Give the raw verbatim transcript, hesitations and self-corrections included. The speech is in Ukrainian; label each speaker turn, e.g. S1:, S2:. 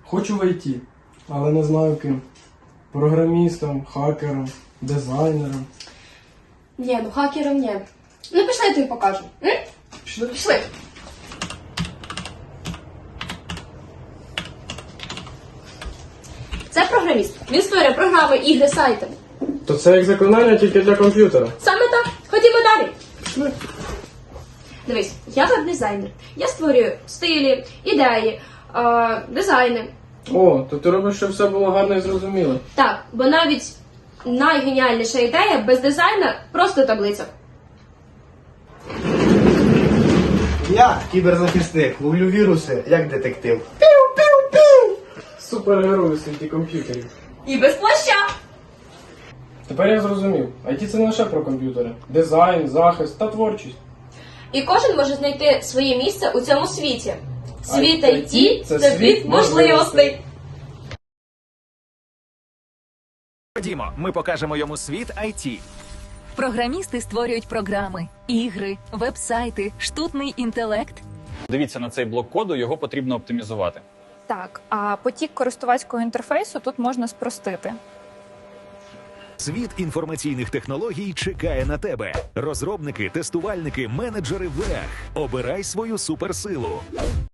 S1: Хочу в ай ті, але не знаю ким. Програмістом, хакером, дизайнером.
S2: Ні, ну хакером ні. Ну пішли, я тобі покажу. М?
S1: Пішли.
S2: Пішли. Це програміст. Він створює програми, ігри, сайти.
S1: То це як заклинання тільки для комп'ютера.
S2: Саме так. Ходімо далі.
S1: Пішли.
S2: Дивись, я веб-дизайнер. Я створюю стилі, ідеї, е, дизайни.
S1: О, то ти робиш, щоб все було гарно і зрозуміло.
S2: Так, бо навіть найгеніальніша ідея без дизайна просто таблиця.
S3: Я кіберзахисник, ловлю віруси як детектив.
S1: Супергерой у світі комп'ютерів.
S2: І без плаща.
S1: Тепер я зрозумів. ай ті це не лише про комп'ютери. Дизайн, захист та творчість.
S2: І кожен може знайти своє місце у цьому світі. Світ
S1: Ай
S2: ай ті –
S1: це
S2: це
S1: світ
S2: світ
S1: можливостей.
S2: можливостей.
S4: Ходімо, ми покажемо йому світ ай ті.
S5: Програмісти створюють програми, ігри, веб-сайти, штутний інтелект.
S6: Дивіться на цей блок коду, його потрібно оптимізувати.
S7: Так, а потік користувацького інтерфейсу тут можна спростити.
S4: Світ інформаційних технологій чекає на тебе. Розробники, тестувальники, менеджери ВЕХ. Обирай свою суперсилу.